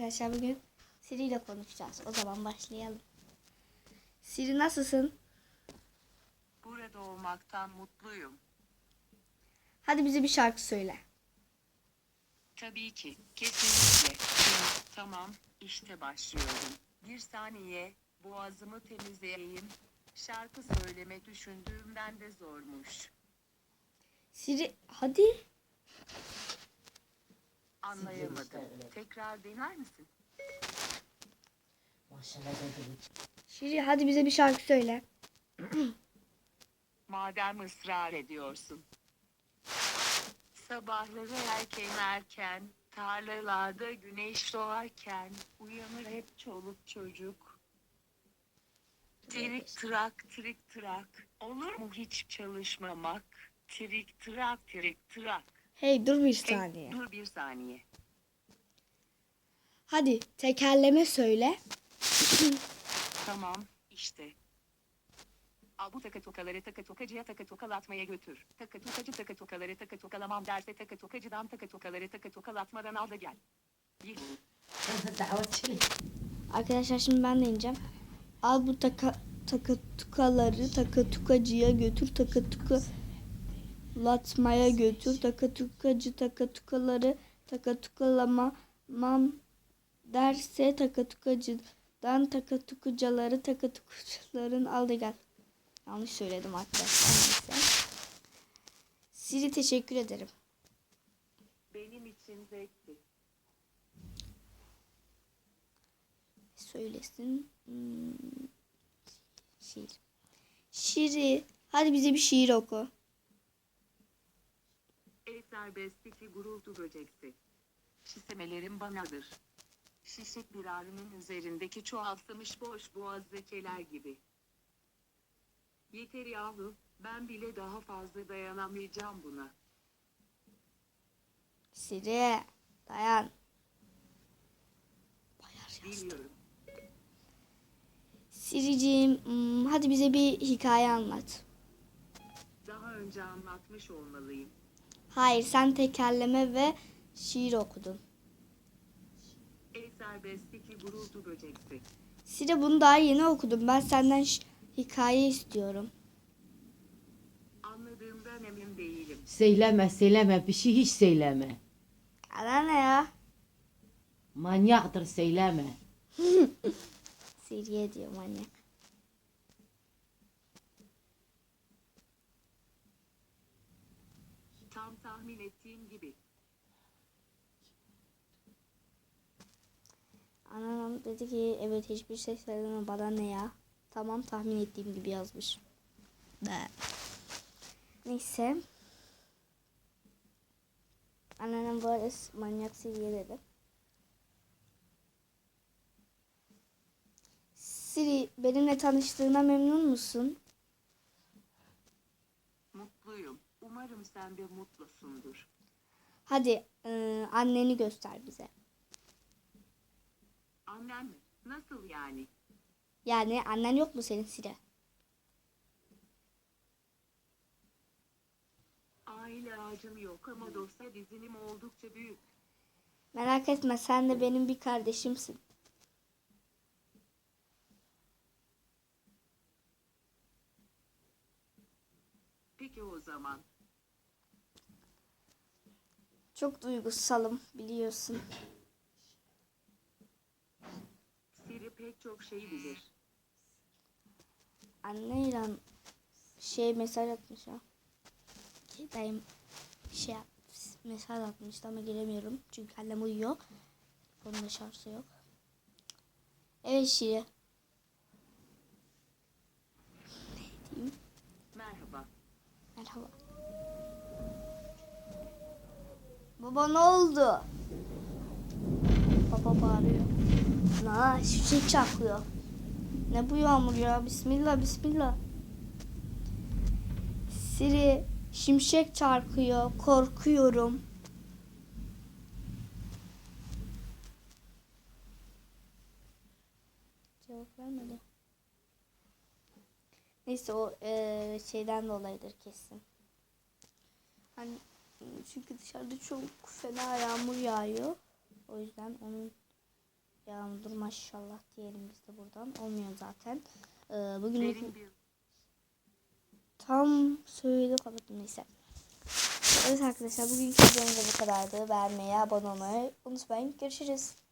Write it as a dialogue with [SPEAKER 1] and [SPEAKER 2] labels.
[SPEAKER 1] arkadaşlar bugün Siri ile konuşacağız. O zaman başlayalım. Siri nasılsın?
[SPEAKER 2] Burada olmaktan mutluyum.
[SPEAKER 1] Hadi bize bir şarkı söyle.
[SPEAKER 2] Tabii ki, kesinlikle. Tamam, işte başlıyorum. Bir saniye, boğazımı temizleyeyim. Şarkı söylemek düşündüğümden de zormuş.
[SPEAKER 1] Siri hadi.
[SPEAKER 2] Anlayamadım. Tekrar dener misin?
[SPEAKER 1] Siri hadi bize bir şarkı söyle.
[SPEAKER 2] Madem ısrar ediyorsun. Sabahları erken tarlalarda güneş doğarken uyanır hep çoluk çocuk. Trik trak, olur mu hiç çalışmamak? Trik trak.
[SPEAKER 1] Hey dur bir
[SPEAKER 2] Hey,
[SPEAKER 1] saniye.
[SPEAKER 2] dur bir saniye.
[SPEAKER 1] Hadi tekerleme söyle.
[SPEAKER 2] Tamam, işte. Al bu takatokaları takatokacıya takatokalatmaya götür. Takatokacı takatokaları takatokalamam derse takatokacıdan takatokaları takatokalatmadan al da gel. Yuhu.
[SPEAKER 1] Arkadaşlar şimdi ben de ineceğim. Al bu takatukaları takatukacıya götür. Takatukalatmaya götür. Takatukacı takatukaları takatukalamam derse takatukacaların takatukucuların al da gel. Yanlış söyledim arkadaşlar. Neyse. Siri teşekkür ederim.
[SPEAKER 2] Benim için zevkti.
[SPEAKER 1] Söylesin. Şiir. Şiiri. Hadi bize bir şiir oku.
[SPEAKER 2] Ey serbestteki gurultu böceksi. Şisemelerim banadır. Şişik bir arının üzerindeki çoğaltılmış boş boğaz zekeler gibi. Yeter yahu, ben bile daha fazla dayanamayacağım buna.
[SPEAKER 1] Siri. Dayan.
[SPEAKER 2] Biliyorum.
[SPEAKER 1] Siriciğim, hadi bize bir hikaye anlat.
[SPEAKER 2] Daha önce anlatmış olmalıyım.
[SPEAKER 1] Hayır, sen tekerleme ve şiir okudun.
[SPEAKER 2] Ey serbestteki gurultu böceksi.
[SPEAKER 1] Siri bunu daha yeni okudum. Ben senden hikaye istiyorum.
[SPEAKER 2] Anladığımdan emin değilim.
[SPEAKER 3] Söyleme bir şey hiç söyleme.
[SPEAKER 1] Ana ne ya?
[SPEAKER 3] Manyaktır söyleme.
[SPEAKER 1] Siri'ye diyor manyak.
[SPEAKER 2] Tam tahmin ettiğim gibi.
[SPEAKER 1] Anam dedi ki evet hiçbir şey söyleme bana ne ya. Tamam tahmin ettiğim gibi yazmış. Neyse. Anneannem bu arada manyak Siri'ye dedi. Siri benimle tanıştığına memnun musun?
[SPEAKER 2] Mutluyum. Umarım sen de mutlusundur.
[SPEAKER 1] Hadi anneni göster bize.
[SPEAKER 2] Annen mi? Nasıl yani?
[SPEAKER 1] Yani annen yok mu senin Siri?
[SPEAKER 2] Aile ağacım yok ama dosya dizinim oldukça büyük.
[SPEAKER 1] Merak etme sen de benim bir kardeşimsin.
[SPEAKER 2] Peki o zaman.
[SPEAKER 1] Çok duygusalım biliyorsun.
[SPEAKER 2] Siri pek çok şey bilir.
[SPEAKER 1] Anne İran mesaj atmış ha. Dayım mesaj atmıştı ama giremiyorum. Çünkü annem uyuyor. Onun da şarjı yok. Evet Şiri. Ne diyeyim?
[SPEAKER 2] Merhaba.
[SPEAKER 1] Merhaba. Baba ne oldu? Baba bağırıyor. Lan şimşek çaklıyor. Ne bu yağmur ya? Bismillah bismillah. Siri şimşek çarpıyor. Korkuyorum. Cevap vermedi. Neyse o şeyden dolayıdır kesin. Hani çünkü dışarıda çok fena yağmur yağıyor. O yüzden onun Yağmur maşallah diyelim biz de buradan. Olmuyor zaten. Bugün
[SPEAKER 2] Derin bir
[SPEAKER 1] tam söyle kapattım neyse. Evet arkadaşlar bugünkü videomuz da bu kadardı. Beğenmeyi, abone olmayı unutmayın. Görüşürüz.